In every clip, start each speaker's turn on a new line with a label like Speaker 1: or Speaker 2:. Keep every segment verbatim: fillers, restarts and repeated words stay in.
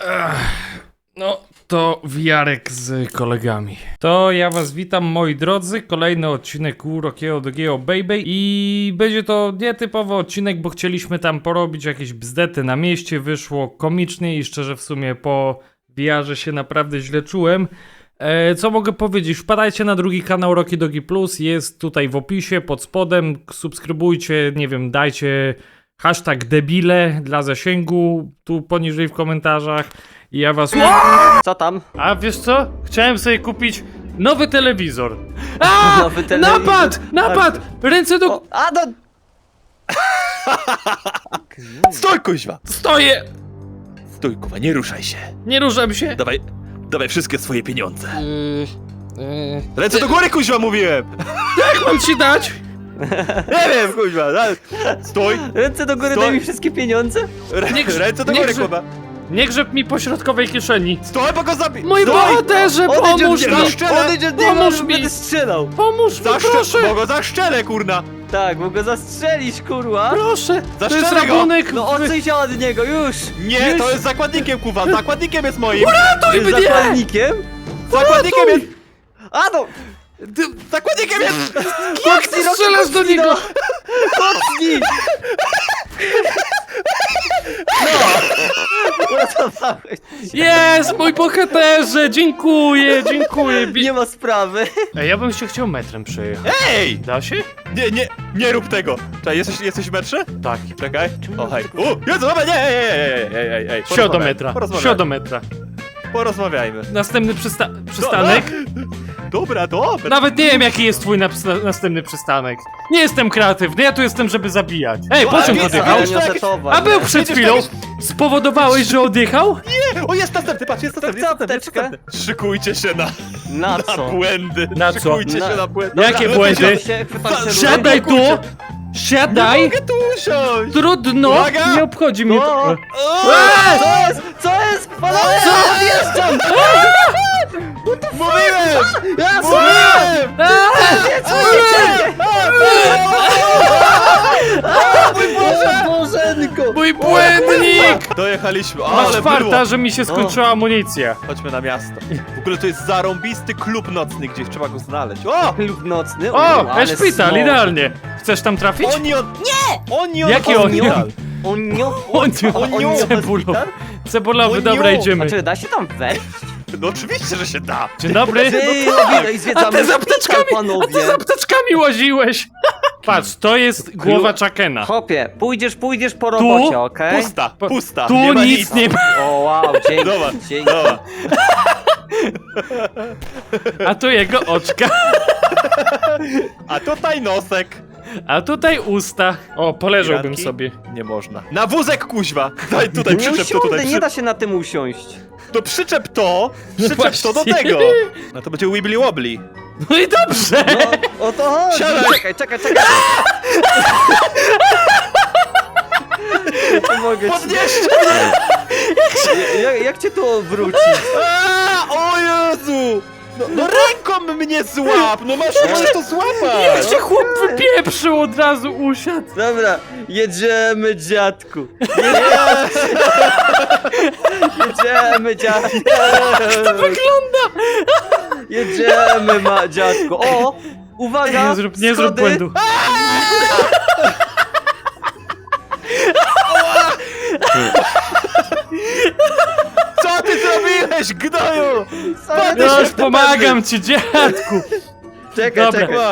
Speaker 1: Ech, no, to wiarek z kolegami. To ja was witam, moi drodzy. Kolejny odcinek u Rockiego Dogiego Baby. I będzie to nietypowy odcinek, bo chcieliśmy tam porobić jakieś bzdety na mieście. Wyszło komicznie i szczerze w sumie po V R-ze się naprawdę źle czułem. E, co mogę powiedzieć? Wpadajcie na drugi kanał Rocky Dogi Plus. Jest tutaj w opisie, pod spodem. Subskrybujcie, nie wiem, dajcie hashtag debile dla zasięgu tu poniżej w komentarzach. I ja was...
Speaker 2: Co tam?
Speaker 1: A wiesz co? Chciałem sobie kupić nowy telewizor. A!
Speaker 2: Nowy telewizor.
Speaker 1: Napad! Napad! Ręce do...
Speaker 2: O, a do...
Speaker 3: Stój, kuźwa!
Speaker 1: Stoję!
Speaker 3: Stój, kuwa, nie ruszaj się.
Speaker 1: Nie ruszam się.
Speaker 3: Dawaj, dawaj wszystkie swoje pieniądze.
Speaker 2: Yy, yy.
Speaker 3: Ręce do góry, kuźwa, mówiłem!
Speaker 1: Jak mam ci dać?
Speaker 3: Nie wiem, kuźwa, da- stój!
Speaker 2: Ręce do góry,
Speaker 3: Stoi.
Speaker 2: daj mi wszystkie pieniądze.
Speaker 3: Rę-
Speaker 1: Nie grz-
Speaker 3: Ręce do
Speaker 1: nie
Speaker 3: góry,
Speaker 1: grz-
Speaker 3: kuwa!
Speaker 1: Nie grzeb mi po środkowej kieszeni.
Speaker 3: Stój, bo go zabij!
Speaker 1: Mój
Speaker 3: Stój!
Speaker 1: bohaterze,
Speaker 2: Odejdź
Speaker 1: pomóż
Speaker 2: od
Speaker 1: mi!
Speaker 2: niego,
Speaker 3: Zaszczelę!
Speaker 2: odejdź od niego,
Speaker 1: Pomóż
Speaker 2: albo
Speaker 1: mi!
Speaker 2: będę strzelał.
Speaker 1: Pomóż mi,
Speaker 3: Zaszcze-
Speaker 1: proszę!
Speaker 3: Bo go zaszczelę, kurna!
Speaker 2: Tak, bo go zastrzelić, kurwa.
Speaker 1: Proszę! To jest
Speaker 3: Zaszczelę go!
Speaker 1: rabunek!
Speaker 2: No odsuń się od niego, już!
Speaker 3: Nie,
Speaker 2: już.
Speaker 3: to jest zakładnikiem, kuwa! Zakładnikiem jest moim!
Speaker 1: Ratuj
Speaker 2: Jest
Speaker 1: mnie!
Speaker 2: zakładnikiem?
Speaker 3: Zakładnikiem jest...
Speaker 2: A no!
Speaker 3: Zakładnikiem jest...
Speaker 1: Jak ty strzelasz do niego?
Speaker 2: Kocnij! No! Uratowałeś.
Speaker 1: Jest, mój bohaterze! Dziękuję, dziękuję! Bi-
Speaker 2: Nie ma sprawy.
Speaker 1: Ej, ja bym się chciał metrem przejechać.
Speaker 3: Ej!
Speaker 1: Da się?
Speaker 3: Nie, nie, nie rób tego! Czekaj, jesteś, jesteś w metrze?
Speaker 1: Tak.
Speaker 3: Czekaj. O, hej. U, Jezu, dobra, nie, ej, ej, ej, ej, ej, ej.
Speaker 1: Siodometra.
Speaker 3: Porozmawiajmy.
Speaker 1: Siodometra.
Speaker 3: Porozmawiajmy.
Speaker 1: Następny przysta przystanek.
Speaker 3: Dobra, dobra.
Speaker 1: Nawet nie wiem, jaki jest twój naps- następny przystanek. Nie jestem kreatywny, ja tu jestem, żeby zabijać. Ej, po
Speaker 3: ale
Speaker 1: czym
Speaker 3: wiesz,
Speaker 1: odjechał?
Speaker 3: ale-
Speaker 2: Odjechał?
Speaker 1: A był przed chwilą. Spowodowałeś, że odjechał?
Speaker 3: O, jest następny, patrz, jest następny,
Speaker 2: co,
Speaker 3: jest następny, jest
Speaker 2: apteczkę?
Speaker 3: następny. Szykujcie się na,
Speaker 2: Na
Speaker 3: na
Speaker 2: co?
Speaker 3: błędy.
Speaker 1: Na co?
Speaker 3: Szykujcie
Speaker 2: Na-
Speaker 3: się na błędy.
Speaker 2: Dobra,
Speaker 1: Jakie
Speaker 2: chwytam
Speaker 1: błędy?
Speaker 2: się, chwytam się
Speaker 1: Siadaj
Speaker 2: rurą.
Speaker 1: tu!
Speaker 3: Nie
Speaker 1: Siadaj!
Speaker 3: mogę tu usiąść.
Speaker 1: Trudno!
Speaker 3: Uwaga!
Speaker 1: Nie obchodzi mnie
Speaker 2: No.
Speaker 1: to.
Speaker 3: O,
Speaker 2: Co jest? Co jest? Panowie,
Speaker 1: Co?
Speaker 2: odjeżdżam!
Speaker 3: Mówiłem!
Speaker 2: Ja
Speaker 3: Mówiłem!
Speaker 2: Nie, co nie
Speaker 3: Mój Boże!
Speaker 2: Bożenko!
Speaker 1: Mój błędnik!
Speaker 3: Dojechaliśmy,
Speaker 1: Masz
Speaker 3: ale
Speaker 1: farta,
Speaker 3: było.
Speaker 1: że mi się skończyła amunicja.
Speaker 3: Chodźmy na miasto. W ogóle to jest zarąbisty klub nocny, gdzieś trzeba go znaleźć. O!
Speaker 2: Klub nocny?
Speaker 1: O,
Speaker 2: ale
Speaker 1: szpital,
Speaker 2: smog.
Speaker 1: idealnie. Chcesz tam trafić?
Speaker 3: Onion! Nie! Onion!
Speaker 1: Jaki onion?
Speaker 2: Onio...
Speaker 1: Onion,
Speaker 2: Onio...
Speaker 1: cebulo.
Speaker 2: hospital?
Speaker 1: Cebulowy,
Speaker 3: Onion.
Speaker 1: dobra,
Speaker 2: A
Speaker 1: idziemy.
Speaker 2: czy da się tam wejść?
Speaker 3: No oczywiście, że się da.
Speaker 1: Dzień dobry.
Speaker 2: Ty,
Speaker 3: tak.
Speaker 2: no i zwiedzamy
Speaker 1: A ty z
Speaker 2: szpital,
Speaker 1: apteczkami, a
Speaker 2: panowie.
Speaker 1: ty z apteczkami łaziłeś. Patrz, to jest głowa Chakena.
Speaker 2: Hopie, pójdziesz, pójdziesz po robocie, okej?
Speaker 3: Pusta, pusta.
Speaker 1: Tu
Speaker 3: nie ma
Speaker 1: nic
Speaker 3: nic.
Speaker 1: nie ma.
Speaker 2: O wow, dzięki,
Speaker 3: Dobra,
Speaker 2: dzięki.
Speaker 3: dobra.
Speaker 1: A tu jego oczka.
Speaker 3: A tutaj nosek.
Speaker 1: A tutaj usta. O, poleżałbym
Speaker 3: Piratki?
Speaker 1: sobie.
Speaker 3: Nie można. Na wózek, kuźwa. Daj tutaj,
Speaker 2: Nie
Speaker 3: przyczep to
Speaker 2: usiądę,
Speaker 3: tutaj.
Speaker 2: nie
Speaker 3: Przy...
Speaker 2: da się na tym usiąść.
Speaker 3: To przyczep to, przyczep to do
Speaker 1: Właśnie.
Speaker 3: tego. No to będzie wibbly wobbly.
Speaker 1: No i dobrze.
Speaker 2: No, o to chodzi.
Speaker 3: Siadaj.
Speaker 2: Czekaj, czekaj, czekaj. Pomogę ci.
Speaker 3: Podnieście!
Speaker 2: Jak, jak cię tu obrócić?
Speaker 3: A, o Jezu! No, no ręką mnie złap! No masz, możesz to
Speaker 1: Jak
Speaker 3: złapać!
Speaker 1: się chłop wypieprzył, od razu usiadł.
Speaker 2: Dobra, jedziemy, dziadku. Jedziemy, dziadku.
Speaker 1: To wygląda.
Speaker 2: Jedziemy, ma, dziadku. O, uwaga,
Speaker 1: Nie zrób, nie zrób
Speaker 2: schody.
Speaker 1: błędu.
Speaker 3: Co ty zrobiłeś, gnoju?
Speaker 2: Sorry,
Speaker 1: No
Speaker 3: się
Speaker 1: już
Speaker 3: w
Speaker 1: pomagam ci, dziadku.
Speaker 2: Czekaj,
Speaker 1: Dobra.
Speaker 2: czekaj.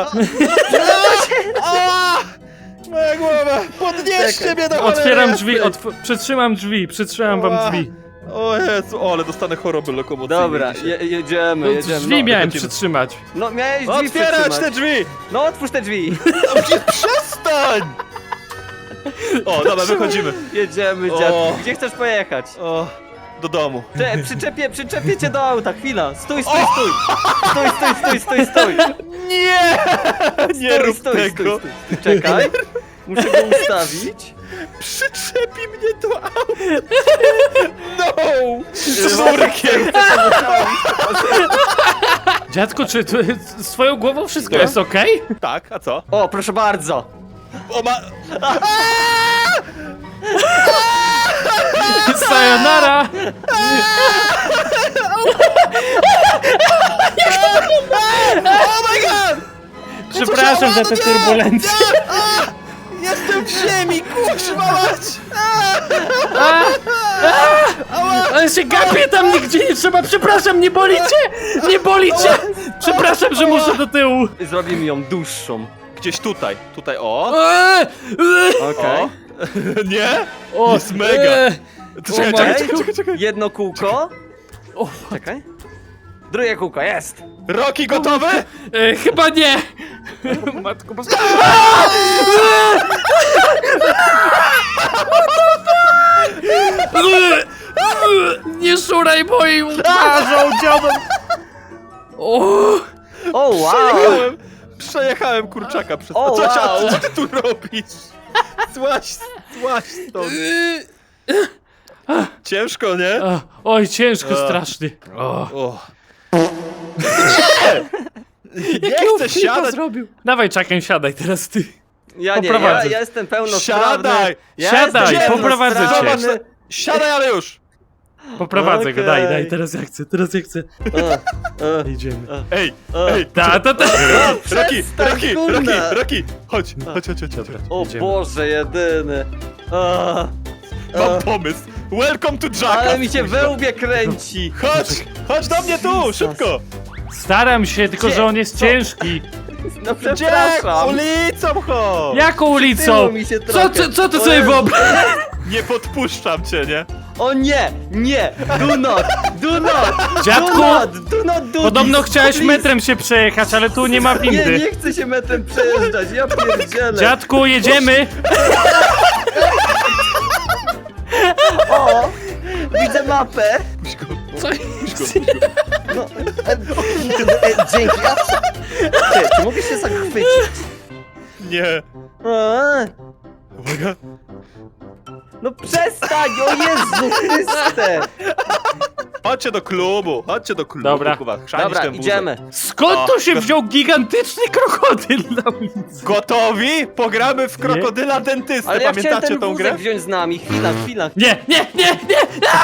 Speaker 3: A! Moja głowa! Podnieście
Speaker 2: Czekaj.
Speaker 3: mnie do
Speaker 1: Otwieram
Speaker 3: cholery
Speaker 1: drzwi,
Speaker 3: jasnej.
Speaker 1: otw przytrzymam drzwi, przytrzymam wam
Speaker 3: Ła.
Speaker 1: drzwi.
Speaker 3: O Jezu, o, ale dostanę choroby lokomocyjnej
Speaker 2: Dobra,
Speaker 3: dzisiaj.
Speaker 2: je, jedziemy,
Speaker 1: No,
Speaker 2: jedziemy.
Speaker 1: drzwi
Speaker 2: No,
Speaker 1: miałem
Speaker 3: wychodzimy.
Speaker 1: przytrzymać.
Speaker 2: no miałeś drzwi
Speaker 3: Otwierać
Speaker 2: przytrzymać.
Speaker 3: te drzwi!
Speaker 2: No otwórz te drzwi.
Speaker 3: No, przestań! O, dobra, wychodzimy.
Speaker 2: Jedziemy,
Speaker 3: O.
Speaker 2: dziadku. Gdzie chcesz pojechać?
Speaker 3: O, do domu.
Speaker 2: Cze, przyczepię, przyczepię cię do auta, chwila. Stój, stój, stój. Stój, stój, stój, stój, stój.
Speaker 3: Nie! Nie
Speaker 2: Stój,
Speaker 3: rób
Speaker 2: stój,
Speaker 3: tego!
Speaker 2: stój, stój. Czekaj. Muszę go ustawić.
Speaker 3: Przyczepi mnie do auta! No! Sznurkiem!
Speaker 1: Dziadku, czy tu, z twoją głową wszystko
Speaker 3: No.
Speaker 1: jest okej?
Speaker 3: Tak, a co?
Speaker 2: O, proszę bardzo.
Speaker 3: O ma...
Speaker 1: Sayonara! przepraszam za te turbulencje.
Speaker 3: Jestem w ziemi, kurwa mać!
Speaker 1: Ale się gapię tam nigdzie nie trzeba, przepraszam, nie boli cię! Nie boli cię! Przepraszam, że muszę do tyłu.
Speaker 2: Zrobimy ją dłuższą.
Speaker 3: Gdzieś tutaj, tutaj, o!
Speaker 1: Eee, eee.
Speaker 2: Okej.
Speaker 3: O. Nie?
Speaker 1: O,
Speaker 3: Jest mega.
Speaker 1: eee.
Speaker 3: Czekaj,
Speaker 1: O,
Speaker 3: czekaj,
Speaker 1: matko.
Speaker 3: czekaj, czekaj, czekaj.
Speaker 2: Jedno kółko.
Speaker 1: O,
Speaker 2: Czekaj. Drugie kółko, jest!
Speaker 3: Roki gotowy?
Speaker 1: e, chyba nie! Matko, bo... Nie szuraj moim twarzą, dziadem! O!
Speaker 2: O, wow!
Speaker 3: Przejechałem, przejechałem kurczaka przez
Speaker 2: O,
Speaker 3: to. Co,
Speaker 2: wow.
Speaker 3: co ty tu robisz? Złaś, złaś stąd. Ciężko, nie?
Speaker 1: A, oj, ciężko
Speaker 3: A.
Speaker 1: strasznie. O.
Speaker 3: O.
Speaker 1: Jakiego
Speaker 3: Nie chcę
Speaker 1: flipa
Speaker 3: siadać.
Speaker 1: zrobił? Dawaj, czekaj, siadaj teraz ty.
Speaker 2: Ja nie, ja,
Speaker 1: Poprowadzę.
Speaker 2: ja jestem pełnosprawny.
Speaker 3: Siadaj!
Speaker 2: Ja
Speaker 1: Siadaj,
Speaker 2: jestem
Speaker 1: poprowadzę cię.
Speaker 2: pełnosprawny.
Speaker 3: Zobacz, siadaj, ale już!
Speaker 1: Poprowadzę go,
Speaker 2: Okej.
Speaker 1: daj, daj, teraz ja chcę, teraz ja chcę.
Speaker 2: E, e,
Speaker 1: Idziemy.
Speaker 3: Ej,
Speaker 2: e.
Speaker 3: ej!
Speaker 1: Ta, ta, ta.
Speaker 3: Roki,
Speaker 2: przestań,
Speaker 3: Roki,
Speaker 2: kurde.
Speaker 3: Roki, Roki! Chodź, chodź, chodź, chodź, chodź.
Speaker 2: O
Speaker 1: Idziemy.
Speaker 2: Boże, jedyny. E,
Speaker 3: Mam pomysł. Welcome to Jacka!
Speaker 2: ale mi się we łbie kręci.
Speaker 3: Chodź, chodź do mnie tu,
Speaker 2: Jesus.
Speaker 3: szybko!
Speaker 1: Staram się, tylko że on jest
Speaker 2: Co?
Speaker 1: ciężki.
Speaker 2: No
Speaker 3: Gdzie?
Speaker 2: przepraszam.
Speaker 3: Ulicą chodź!
Speaker 1: Jaką ulicą?
Speaker 2: Tyłu mi się
Speaker 1: Co,
Speaker 2: trochę.
Speaker 1: co, co ty
Speaker 2: O
Speaker 1: sobie
Speaker 2: Jezu.
Speaker 1: wyobrażasz?
Speaker 3: Nie podpuszczam cię, nie?
Speaker 2: O nie, nie, do not, do not,
Speaker 1: Dziadku,
Speaker 2: do not, do not do
Speaker 1: Podobno
Speaker 2: this,
Speaker 1: chciałeś
Speaker 2: please.
Speaker 1: metrem się przejechać, ale tu nie ma
Speaker 2: Nie,
Speaker 1: windy.
Speaker 2: nie chcę się metrem przejeżdżać, ja pierdzielę.
Speaker 1: Dziadku, jedziemy!
Speaker 2: O, widzę mapę.
Speaker 3: Puść go,
Speaker 1: Co?
Speaker 3: puść go, puść go.
Speaker 2: No, e, e, dzięki. A, ty, czy mogę się zachwycić?
Speaker 3: Nie.
Speaker 2: A,
Speaker 3: Uwaga.
Speaker 2: no przestań, o Jezu Chryste.
Speaker 3: Chodźcie do klubu, chodźcie do klubu.
Speaker 1: Dobra.
Speaker 3: Kuba, chrzanić
Speaker 2: Dobra,
Speaker 3: ten wózek.
Speaker 2: idziemy.
Speaker 1: Skąd tu się wziął gigantyczny krokodyl na ulicy?
Speaker 3: Gotowi? Pogramy w krokodyla dentystę.
Speaker 2: Ale ja chciałem
Speaker 3: Pamiętacie
Speaker 2: ten
Speaker 3: tą grę?
Speaker 2: wózek wziąć z nami. Chwila, chwila.
Speaker 1: Nie, nie, nie, nie!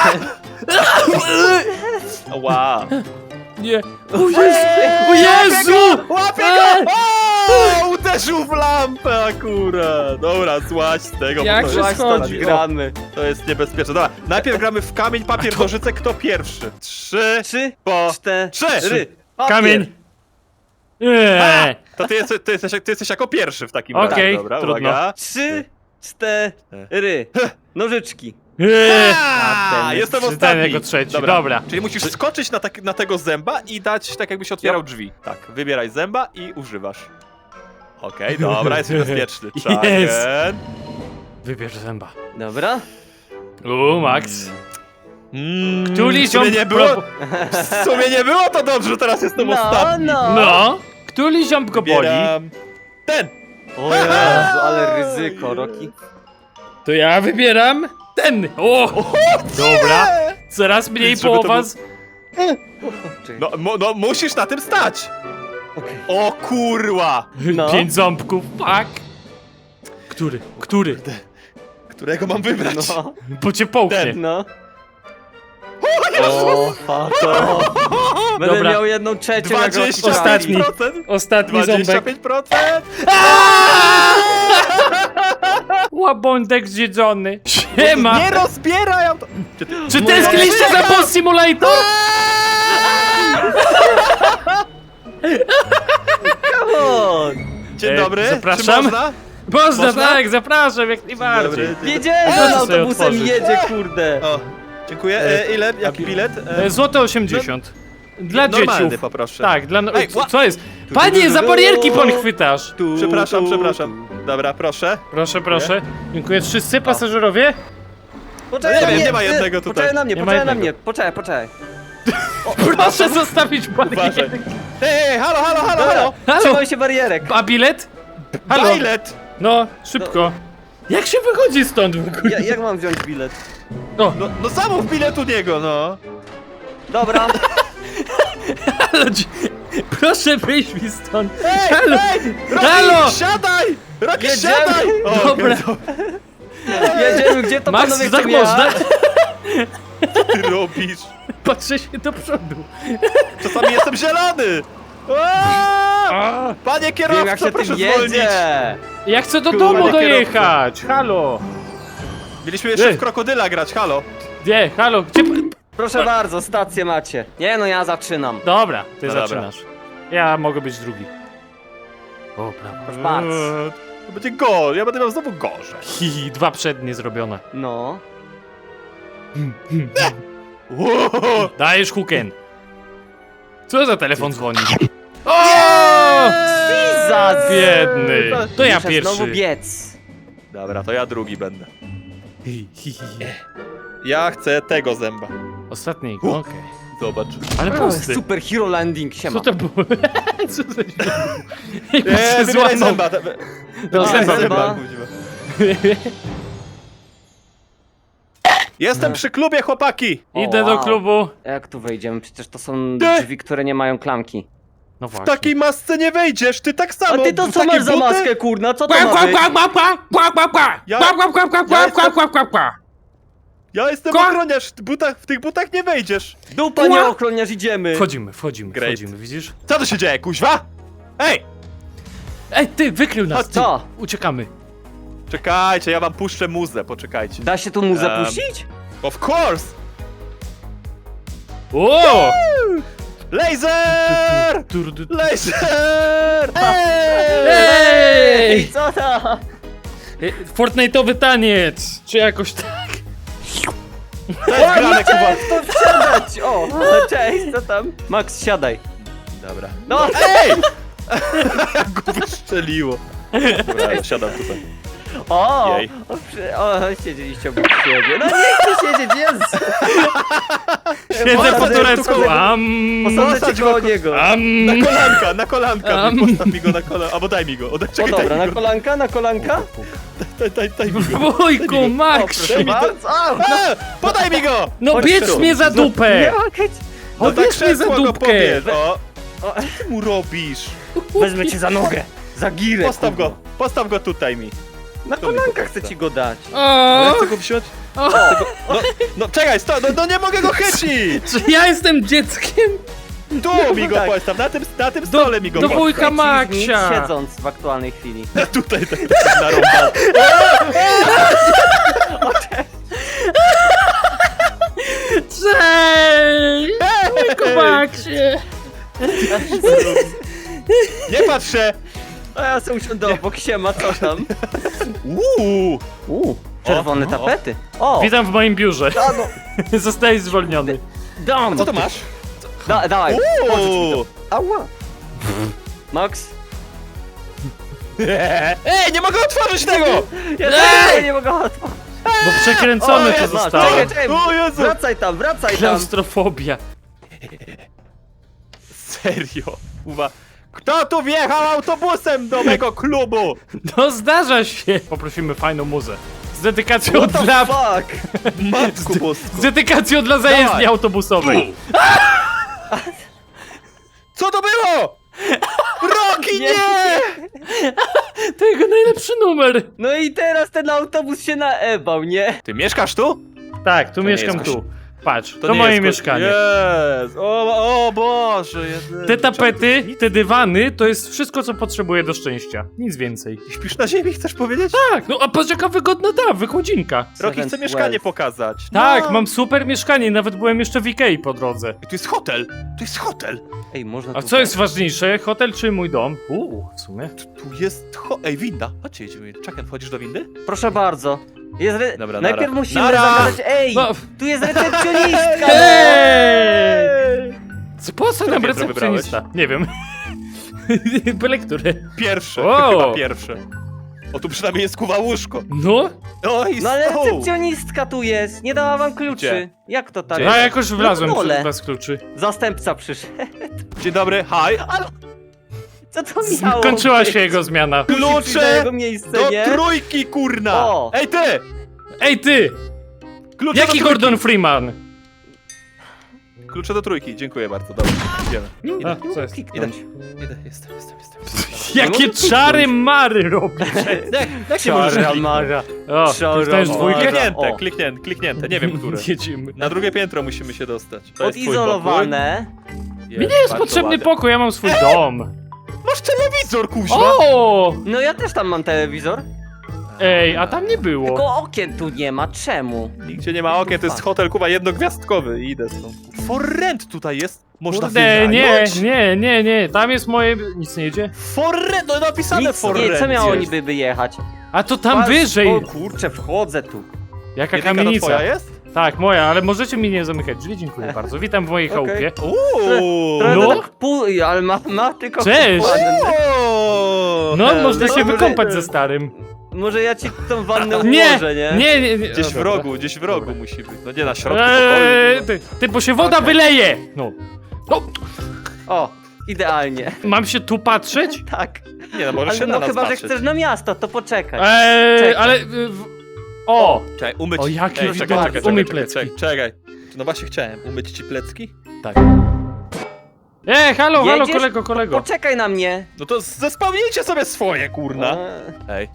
Speaker 3: Ła.
Speaker 1: Nie. O Jezu! O Jezu!
Speaker 3: Łapie
Speaker 1: Eee!
Speaker 3: go! O, uderzył w lampę akurat. Dobra, złaź z tego,
Speaker 1: Jak
Speaker 3: bo
Speaker 1: się
Speaker 3: to,
Speaker 2: Właśnie
Speaker 3: jest,
Speaker 1: schodzi?
Speaker 2: gramy.
Speaker 3: to jest niebezpieczne. Dobra, najpierw gramy w kamień, papier, nożyce, kto pierwszy? Trzy,
Speaker 2: Trzy,
Speaker 3: po...
Speaker 2: cztery.
Speaker 3: Trzy.
Speaker 2: Papier.
Speaker 1: Kamień! Nie.
Speaker 3: To ty jesteś, ty, jesteś, ty jesteś jako pierwszy w takim
Speaker 1: Okej,
Speaker 3: razie. Dobra,
Speaker 1: trudno.
Speaker 3: uwaga.
Speaker 2: Trzy, cztery. Nożyczki.
Speaker 1: Nie.
Speaker 3: A,
Speaker 2: ten
Speaker 3: jestem
Speaker 1: Czytałem
Speaker 3: ostatni.
Speaker 1: jako trzeci, dobra.
Speaker 3: Czyli musisz skoczyć na, tak, na tego zęba i dać tak jakbyś otwierał drzwi. Tak, wybieraj zęba i używasz. Okej, dobra, jesteś bezpieczny.
Speaker 1: Yes.
Speaker 3: Czagen.
Speaker 1: Wybierz zęba.
Speaker 2: Dobra.
Speaker 1: U, Max.
Speaker 3: Mm,
Speaker 1: Któryś
Speaker 3: w sumie
Speaker 1: on
Speaker 3: nie było,
Speaker 1: pro-
Speaker 3: w sumie nie było to dobrze, teraz jestem
Speaker 2: No,
Speaker 3: ostatni.
Speaker 2: no.
Speaker 1: No. Który ziomb go boli?
Speaker 3: Wybieram ten.
Speaker 2: O Jezu, ale ryzyko, Roki.
Speaker 1: To ja wybieram ten. O! Dobra. Coraz mniej
Speaker 3: Żeby to
Speaker 1: połowa
Speaker 3: był-
Speaker 1: z...
Speaker 2: Czekaj.
Speaker 3: No, mo, no musisz na tym stać.
Speaker 2: Okej.
Speaker 3: O kurła.
Speaker 2: No.
Speaker 1: Pięć ząbków, fuck. Który? Który?
Speaker 3: Którego mam wybrać?
Speaker 2: No,
Speaker 1: Bo cię połknie.
Speaker 3: Ten.
Speaker 2: no. O, fato. Będę
Speaker 1: Dobra.
Speaker 2: miał jedną trzecią jak Roki
Speaker 3: dwadzieścia
Speaker 1: Ostatni.
Speaker 3: pięć procent.
Speaker 1: Ostatni
Speaker 3: dwadzieścia
Speaker 1: ząbek.
Speaker 3: pięć procent.
Speaker 1: Łabądek zjedzony. Siema.
Speaker 3: Nie rozbieraj! to- Czy ty...
Speaker 1: Czy tęskniliście za Boss Simulator?
Speaker 2: Come on.
Speaker 3: Dzień
Speaker 1: E,
Speaker 3: dobry,
Speaker 1: zapraszam.
Speaker 3: czy można?
Speaker 1: Można,
Speaker 3: Można?
Speaker 1: tak, zapraszam, jak najbardziej.
Speaker 3: Dobry.
Speaker 2: Wiedziałem,
Speaker 1: Proszę
Speaker 2: że on
Speaker 1: sobie
Speaker 2: autobusem
Speaker 1: otworzyć.
Speaker 2: jedzie, kurde.
Speaker 3: O, dziękuję. E, ile? Jaki bilet? E,
Speaker 1: E, Złote osiemdziesiąt. Dla
Speaker 3: normalny
Speaker 1: dzieciów.
Speaker 3: poproszę.
Speaker 1: Tak, dla... no-
Speaker 3: Ej,
Speaker 1: co-
Speaker 3: ła-
Speaker 1: Co jest? Panie, za barierki pan chwytasz.
Speaker 2: Tu,
Speaker 3: Przepraszam,
Speaker 2: tu,
Speaker 3: przepraszam. Dobra, proszę.
Speaker 1: Proszę, proszę. Dziękuję. Wszyscy pasażerowie?
Speaker 2: Poczekaj
Speaker 3: Nie
Speaker 2: na
Speaker 3: wiem,
Speaker 2: mnie.
Speaker 3: nie ma
Speaker 2: ty,
Speaker 3: jednego tutaj.
Speaker 2: Poczekaj na mnie,
Speaker 1: Nie ma
Speaker 2: poczekaj na
Speaker 1: jednego.
Speaker 2: mnie. Poczekaj, poczekaj.
Speaker 1: Proszę zostawić
Speaker 3: Uważaj.
Speaker 1: barierkę.
Speaker 3: Ej, ej, halo, halo, halo,
Speaker 2: Dobra,
Speaker 3: halo!
Speaker 1: Halo.
Speaker 2: trzymaj się barierek.
Speaker 1: A bilet? Halo.
Speaker 3: Bilet!
Speaker 1: No, szybko. Jak się wychodzi stąd w ogóle?
Speaker 2: Ja, jak mam wziąć bilet?
Speaker 1: O,
Speaker 3: No, no zamów bilet u niego, no.
Speaker 2: Dobra.
Speaker 1: halo, dzi- proszę wyjść mi stąd.
Speaker 3: Ej,
Speaker 1: Halo.
Speaker 3: ej! Rocky,
Speaker 1: Halo.
Speaker 3: siadaj! Rocky,
Speaker 2: Jedziemy.
Speaker 3: siadaj! O,
Speaker 1: Dobra.
Speaker 3: okej,
Speaker 2: Jedziemy, gdzie to
Speaker 1: Max,
Speaker 2: panowie
Speaker 1: tak
Speaker 2: chcą
Speaker 1: można?
Speaker 2: jechać?
Speaker 3: co ty robisz?
Speaker 1: Patrzę się do przodu.
Speaker 3: Czasami jestem zielony! Aaaa!
Speaker 1: A,
Speaker 3: Panie
Speaker 2: Wiem jak
Speaker 3: kierowco,
Speaker 2: się
Speaker 3: proszę
Speaker 2: tym
Speaker 3: zwolnić!
Speaker 2: jedzie!
Speaker 1: ja chcę do
Speaker 3: Kurwa,
Speaker 1: domu
Speaker 3: nie
Speaker 1: dojechać! Halo!
Speaker 3: Mieliśmy jeszcze
Speaker 1: Ej.
Speaker 3: w krokodyla grać, halo.
Speaker 1: Nie, halo, gdzie...
Speaker 2: Proszę bardzo, stację macie. Nie no, ja zaczynam.
Speaker 1: Dobra, ty
Speaker 3: No dobra.
Speaker 1: zaczynasz. Ja mogę być drugi. O, brawo.
Speaker 2: Proszę bardzo.
Speaker 3: Eee, To będzie gol, ja będę miał znowu gorzej.
Speaker 1: Hi, dwa przednie zrobione.
Speaker 2: No.
Speaker 3: Wow.
Speaker 1: Dajesz huken. Co za telefon dzwoni? O!
Speaker 2: Za
Speaker 1: Biedny. To ja
Speaker 2: Muszę
Speaker 1: pierwszy.
Speaker 2: znowu biec.
Speaker 3: Dobra, to ja drugi będę.
Speaker 1: Hi, hi, hi.
Speaker 3: Ja chcę tego zęba.
Speaker 1: Ostatni,
Speaker 3: U.
Speaker 1: okej.
Speaker 3: Zobacz.
Speaker 1: Ale pusty.
Speaker 2: Super Hero Landing, siema.
Speaker 1: Co to było? Co za
Speaker 3: Nie,
Speaker 1: się
Speaker 3: wybieraj
Speaker 1: złamał.
Speaker 3: zęba.
Speaker 1: No,
Speaker 2: A,
Speaker 1: zęba,
Speaker 2: zęba.
Speaker 1: zęba.
Speaker 3: Jestem przy klubie, chłopaki!
Speaker 2: O,
Speaker 1: Idę do
Speaker 2: wow.
Speaker 1: klubu.
Speaker 2: Jak tu wejdziemy? Przecież to są
Speaker 3: Ty!
Speaker 2: drzwi, które nie mają klamki.
Speaker 1: No
Speaker 3: W
Speaker 1: właśnie.
Speaker 3: takiej masce nie wejdziesz, ty tak
Speaker 2: A
Speaker 3: samo.
Speaker 2: ty to
Speaker 3: w
Speaker 2: co
Speaker 3: takie
Speaker 2: masz za
Speaker 3: buty?
Speaker 2: maskę, kurna? Co to
Speaker 1: Kwa,
Speaker 2: ma
Speaker 1: kwa,
Speaker 2: być?
Speaker 1: kwa, kwa, kwa, kwa, kwa, kwa.
Speaker 3: Ja-
Speaker 1: Kwa, kwa, kwa, kwa,
Speaker 3: ja
Speaker 1: kwa,
Speaker 3: jestem-
Speaker 1: kwa, kwa, kwa.
Speaker 3: Ja jestem
Speaker 1: Ko-
Speaker 3: ochroniarz, w, butach, w tych butach nie wejdziesz.
Speaker 2: Dupa nie
Speaker 1: Kła-
Speaker 2: ochroniarz, idziemy.
Speaker 1: Wchodzimy, wchodzimy,
Speaker 3: Great.
Speaker 1: wchodzimy, widzisz?
Speaker 3: Co tu się dzieje, kuźwa? Ej!
Speaker 1: Ej, ty, wykrył nas,
Speaker 2: A
Speaker 1: ty.
Speaker 2: co?
Speaker 1: Uciekamy.
Speaker 3: Czekajcie, ja wam puszczę muzę, poczekajcie.
Speaker 2: Da się tu mu
Speaker 3: Em,
Speaker 2: zapuścić?
Speaker 3: Of course!
Speaker 1: O!
Speaker 3: Laser!
Speaker 1: Tur, tur, tur.
Speaker 3: Laser! Ej!
Speaker 1: Ej!
Speaker 2: Co to?
Speaker 1: Ej, Fortnite'owy taniec! Czy jakoś tak?
Speaker 3: To jest grane, Kuba.
Speaker 2: To wsiadać! O, cześć, co tam? Max, siadaj.
Speaker 3: Dobra.
Speaker 2: No,
Speaker 3: Ej! Jak go wystrzeliło. Dobra, ja siadam tutaj.
Speaker 2: o!
Speaker 3: Jej.
Speaker 2: O, przy- o, siedzieliście obok siebie. No nie chcę siedzieć, jest!
Speaker 1: Siedzę po
Speaker 2: Posadzę-
Speaker 1: turecku,
Speaker 2: posadzę-
Speaker 1: am...
Speaker 2: Posadzę
Speaker 3: Posadź
Speaker 2: cię
Speaker 3: go-
Speaker 2: koło niego.
Speaker 3: Na
Speaker 1: am...
Speaker 3: kolanka, na kolanka.
Speaker 1: Am.
Speaker 3: Postaw mi go na kolanka. Albo daj mi go. O, daj,
Speaker 2: O
Speaker 3: czekaj,
Speaker 2: dobra,
Speaker 3: daj
Speaker 2: na
Speaker 3: mi go.
Speaker 2: kolanka, na kolanka?
Speaker 3: Daj, daj, daj mi go.
Speaker 1: Wujku,
Speaker 2: O,
Speaker 1: Max!
Speaker 2: proszę bardzo. A, no,
Speaker 3: E, podaj mi go!
Speaker 1: No
Speaker 2: Chodź
Speaker 1: bierz
Speaker 2: tu.
Speaker 1: mnie za
Speaker 2: nie
Speaker 1: dupę!
Speaker 2: mogę.
Speaker 3: No
Speaker 1: O,
Speaker 3: tak
Speaker 1: bierz mnie za
Speaker 3: krzesło go
Speaker 1: dupkę!
Speaker 3: pobierz. O,
Speaker 2: O,
Speaker 3: co ty mu robisz?
Speaker 2: wezmę cię za nogę. Za girę.
Speaker 3: Postaw
Speaker 2: kurwa.
Speaker 3: go, postaw go tutaj mi.
Speaker 2: Na kolanka chcę ci go dać.
Speaker 3: Ja
Speaker 1: O!
Speaker 3: chcę go wziąć.
Speaker 1: O!
Speaker 3: No, no czekaj, sto, no, no nie mogę go chycić!
Speaker 1: Czy ja jestem dzieckiem?
Speaker 3: Tu mi go
Speaker 2: tak.
Speaker 3: postaw, na tym, na tym stole mi go
Speaker 1: do
Speaker 3: postaw.
Speaker 1: wujka
Speaker 2: Achievement
Speaker 1: Maksia!
Speaker 2: siedząc w aktualnej chwili.
Speaker 3: Tutaj tak tak narąbany.
Speaker 1: Cześć! Wujku Maksie!
Speaker 3: Nie patrzę!
Speaker 2: A ja sobie usiądę obok siema, co tam?
Speaker 3: Uuu!
Speaker 2: Uuu, czerwone
Speaker 3: O, o.
Speaker 2: tapety. O,
Speaker 1: Witam w moim biurze.
Speaker 2: da, no,
Speaker 1: Zostajesz zwolniony.
Speaker 2: dam.
Speaker 3: Co to masz?
Speaker 2: Da, dawaj, pożycz mi
Speaker 3: Uuu!
Speaker 2: to. Ała. Max?
Speaker 3: Ej, nie mogę otworzyć tego!
Speaker 2: Ja
Speaker 1: Ej!
Speaker 2: też nie mogę otworzyć.
Speaker 1: Bo przekręcony
Speaker 3: O,
Speaker 1: to
Speaker 3: jest,
Speaker 1: zostało.
Speaker 2: Czekaj, czekaj,
Speaker 3: O Jezu!
Speaker 2: wracaj tam, wracaj tam.
Speaker 1: Klaustrofobia.
Speaker 3: Serio? Uwa. Kto tu wjechał autobusem do mego klubu?
Speaker 1: No zdarza się. Poprosimy fajną muzę. Z dedykacją
Speaker 2: What the
Speaker 1: dla...
Speaker 2: fuck?
Speaker 3: Matku
Speaker 1: Z
Speaker 3: bosko.
Speaker 1: dedykacją dla zajezdni
Speaker 3: Dawaj.
Speaker 1: autobusowej.
Speaker 3: Co to było? Roki, nie!
Speaker 1: To jego najlepszy numer.
Speaker 2: No i teraz ten autobus się naebał, nie?
Speaker 3: Ty mieszkasz tu?
Speaker 1: Tak, tu
Speaker 3: nie
Speaker 1: mieszkam
Speaker 3: jest
Speaker 1: tu. Patrz, to,
Speaker 3: nie
Speaker 1: moje
Speaker 3: jest ko-
Speaker 1: mieszkanie.
Speaker 3: Jest! O, o Boże! jedyny.
Speaker 1: Te tapety,
Speaker 3: Czemu
Speaker 1: te dywany, to jest wszystko, co potrzebuję do szczęścia. Nic więcej.
Speaker 3: ty Śpisz na ziemi, chcesz powiedzieć?
Speaker 1: Tak, no a patrz jaka wygodna ta wychodzinka.
Speaker 3: Roki chce
Speaker 2: Seventh
Speaker 3: mieszkanie
Speaker 2: Wealth.
Speaker 3: pokazać.
Speaker 1: Tak,
Speaker 3: No.
Speaker 1: mam super mieszkanie, nawet byłem jeszcze w Ikei po drodze.
Speaker 3: Tu jest hotel! Tu jest hotel!
Speaker 2: Ej, można
Speaker 1: A
Speaker 2: tu
Speaker 1: co jest ważniejsze, hotel czy mój dom? Uuu, w sumie.
Speaker 3: Tu jest ho... Ej, winda! Chodźcie, jedziemy. Czekaj, wchodzisz do windy?
Speaker 2: Proszę bardzo. Jest re...
Speaker 3: Dobra,
Speaker 2: Najpierw
Speaker 3: nara.
Speaker 2: musimy
Speaker 3: Nara.
Speaker 2: zagadać. Ej,
Speaker 1: No.
Speaker 2: tu jest recepcjonistka!
Speaker 1: Hej! Co, po co nam
Speaker 3: piętro
Speaker 1: recepcjonista? Nie wiem. Byle które.
Speaker 3: Pierwsze,
Speaker 1: O!
Speaker 3: chyba pierwsze. O, tu przynajmniej jest kuwa łóżko.
Speaker 1: No,
Speaker 3: O, i
Speaker 2: No ale
Speaker 3: stół.
Speaker 2: recepcjonistka tu jest, nie dała wam kluczy.
Speaker 3: Gdzie?
Speaker 2: Jak to tak?
Speaker 3: Gdzie?
Speaker 1: ja jakoś wlazłem
Speaker 2: No dole.
Speaker 1: przez bez kluczy.
Speaker 2: Zastępca przyszedł.
Speaker 3: Dzień dobry, hi.
Speaker 2: Co to miało
Speaker 1: Skończyła
Speaker 2: być?
Speaker 1: się jego zmiana.
Speaker 2: Musi przyjść na
Speaker 3: Klucze
Speaker 2: jego miejsce,
Speaker 3: do
Speaker 2: nie?
Speaker 3: trójki, kurna!
Speaker 2: O!
Speaker 3: Ej, ty!
Speaker 1: Ej ty!
Speaker 3: Klucze
Speaker 1: Jaki
Speaker 3: do
Speaker 1: Gordon Freeman?
Speaker 3: trójki. Klucze do trójki, dziękuję bardzo, dobra, idziemy.
Speaker 1: A,
Speaker 2: Nie
Speaker 1: co
Speaker 2: mogę
Speaker 1: jest?
Speaker 2: kliknąć.
Speaker 3: Idę, jestem, jestem, jestem.
Speaker 1: Jakie
Speaker 2: mogę
Speaker 1: czary mary robi?
Speaker 3: Jak, jak się możesz
Speaker 2: Czara
Speaker 3: kliknąć?
Speaker 2: Mara.
Speaker 1: O,
Speaker 2: Czara
Speaker 1: dostajesz
Speaker 2: Mara.
Speaker 1: dwójkę?
Speaker 3: Kliknięte,
Speaker 2: O.
Speaker 3: kliknięte, kliknięte, nie wiem które.
Speaker 1: Jedziemy.
Speaker 3: Na drugie piętro musimy się dostać. To jest twój
Speaker 2: Odizolowane.
Speaker 3: pokój.
Speaker 1: Mi nie jest
Speaker 3: bardzo
Speaker 1: potrzebny
Speaker 3: ładnie.
Speaker 1: pokój, ja mam swój dom.
Speaker 3: Masz telewizor, kuźwa!
Speaker 1: O!
Speaker 2: No ja też tam mam telewizor.
Speaker 1: Ej, a tam nie było.
Speaker 2: Tylko okien tu nie ma, czemu?
Speaker 3: Nigdzie nie ma okien, to jest hotel, kuba, jednogwiazdkowy. Idę stąd. For rent tutaj jest. Można
Speaker 1: Kurde, nie,
Speaker 3: wynająć?
Speaker 1: nie, nie, nie, tam jest moje... Nic nie jedzie.
Speaker 3: For rent, no napisane
Speaker 2: Nic
Speaker 3: for
Speaker 2: nie,
Speaker 3: rent
Speaker 2: co miało
Speaker 3: jest.
Speaker 2: niby wyjechać?
Speaker 1: A to tam
Speaker 2: Pas-
Speaker 1: wyżej.
Speaker 2: O kurczę, wchodzę tu.
Speaker 1: Jaka
Speaker 3: Jedynka to
Speaker 1: kamienica.
Speaker 3: twoja jest?
Speaker 1: Tak, moja, ale możecie mi nie zamykać drzwi, dziękuję bardzo. Witam w mojej
Speaker 2: Okej.
Speaker 1: chałupie.
Speaker 3: Uuu!
Speaker 2: Trochę
Speaker 1: No.
Speaker 2: tak pół, ale ma, ma tylko...
Speaker 1: Cześć.
Speaker 2: wannę.
Speaker 3: Uuu!
Speaker 1: No,
Speaker 3: Hej,
Speaker 1: można się
Speaker 2: dobry.
Speaker 1: wykąpać ze starym.
Speaker 2: Może ja ci tą wannę
Speaker 1: Nie,
Speaker 2: ułożę, nie?
Speaker 1: nie, nie, nie.
Speaker 3: Gdzieś
Speaker 1: O,
Speaker 3: w
Speaker 1: dobra.
Speaker 3: rogu, gdzieś w rogu musi być. No nie na środku
Speaker 1: Eee,
Speaker 3: pokoju.
Speaker 1: ty, ty, bo się woda wyleje! No. No,
Speaker 2: O, idealnie.
Speaker 1: mam się tu patrzeć?
Speaker 2: Tak.
Speaker 3: Nie no, możesz
Speaker 2: Ale
Speaker 3: się na
Speaker 2: no
Speaker 3: nas
Speaker 2: chyba, że
Speaker 3: patrzeć.
Speaker 2: chcesz na miasto, to poczekaj.
Speaker 1: Eee,
Speaker 2: Czekaj.
Speaker 1: ale... y, W... O!
Speaker 3: Czekaj, umyć...
Speaker 1: O, jaki
Speaker 3: Ej, czekaj,
Speaker 1: widok.
Speaker 3: czekaj,
Speaker 1: Umyj
Speaker 3: czekaj, czekaj,
Speaker 1: plecki.
Speaker 3: czekaj. No właśnie chciałem, umyć ci plecki?
Speaker 1: Tak. Ej, halo, halo,
Speaker 2: Jedziesz?
Speaker 1: kolego, kolego.
Speaker 2: Poczekaj na mnie.
Speaker 3: No to zespełnijcie sobie swoje, kurna.
Speaker 2: Eee,
Speaker 3: Ej.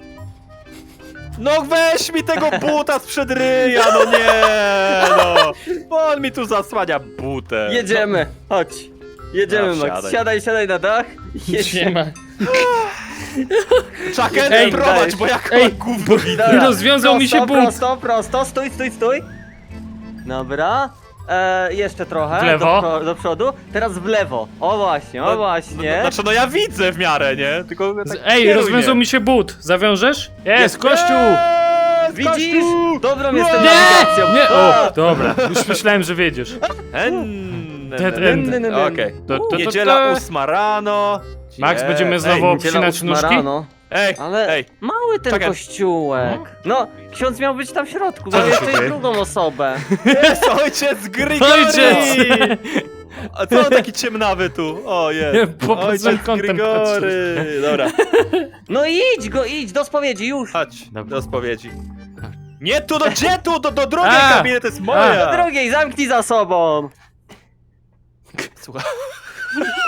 Speaker 3: No weź mi tego buta sprzed ryja, no nie, no. Bo on mi tu zasłania butę.
Speaker 2: Jedziemy, chodź. Jedziemy,
Speaker 3: No,
Speaker 2: Max.
Speaker 3: wsiadaj.
Speaker 2: Siadaj, siadaj na dach.
Speaker 1: Nie
Speaker 2: Jedziemy.
Speaker 1: ma.
Speaker 3: Czakę,
Speaker 1: Ej,
Speaker 3: prowadź,
Speaker 2: dajesz.
Speaker 3: bo jak
Speaker 1: Ej,
Speaker 3: mam gówno widzę.
Speaker 2: Dobra,
Speaker 1: rozwiązał mi się
Speaker 2: prosto,
Speaker 1: but.
Speaker 2: Prosto, prosto, stój, stój, stój. Dobra. E, jeszcze trochę.
Speaker 1: W lewo.
Speaker 2: Do, pro- do przodu. Teraz w lewo. O właśnie, o
Speaker 3: No,
Speaker 2: właśnie.
Speaker 3: No, znaczy, no ja widzę w miarę, nie? Tylko ja tak
Speaker 1: Ej,
Speaker 3: kieruję.
Speaker 1: rozwiązał mi się but. Zawiążesz? Jest, kościół!
Speaker 3: Jest,
Speaker 2: Widzisz?
Speaker 3: kościół!
Speaker 2: Dobrą jestem
Speaker 1: Nie!
Speaker 2: nawigacją.
Speaker 1: Nie!
Speaker 2: A!
Speaker 1: O, dobra. Już myślałem, że wiedziesz.
Speaker 3: En,
Speaker 1: Dead
Speaker 3: en,
Speaker 1: end.
Speaker 3: en, en. Okej.
Speaker 1: To- to- to-
Speaker 3: Niedziela
Speaker 1: to-
Speaker 3: ósma rano.
Speaker 1: Max,
Speaker 3: Ej,
Speaker 1: będziemy znowu
Speaker 3: Ej,
Speaker 2: Niedziela
Speaker 1: obcinać
Speaker 2: ósma
Speaker 1: nóżki?
Speaker 2: rano.
Speaker 3: ej,
Speaker 2: Ale
Speaker 3: ej.
Speaker 2: mały ten
Speaker 3: Czekaj.
Speaker 2: kościółek. No, ksiądz miał być tam w środku,
Speaker 1: Co
Speaker 2: bo
Speaker 1: się
Speaker 2: jeszcze
Speaker 1: dzieje?
Speaker 2: jest drugą osobę.
Speaker 3: Jest ojciec Grigori!
Speaker 1: Ojciec!
Speaker 3: A co on taki ciemnawy tu? O, jest.
Speaker 1: Po- pod
Speaker 3: Ojciec
Speaker 1: złym kątem
Speaker 3: Grigory! Dobra,
Speaker 2: No idź go, idź do spowiedzi, już.
Speaker 3: chodź
Speaker 1: Dobra.
Speaker 3: do spowiedzi. Nie tu, do gdzie tu? Do, do drugiej
Speaker 1: A!
Speaker 3: kabiny, to jest
Speaker 2: Do
Speaker 3: moja!
Speaker 2: drugiej, zamknij za sobą.
Speaker 3: Słuchaj.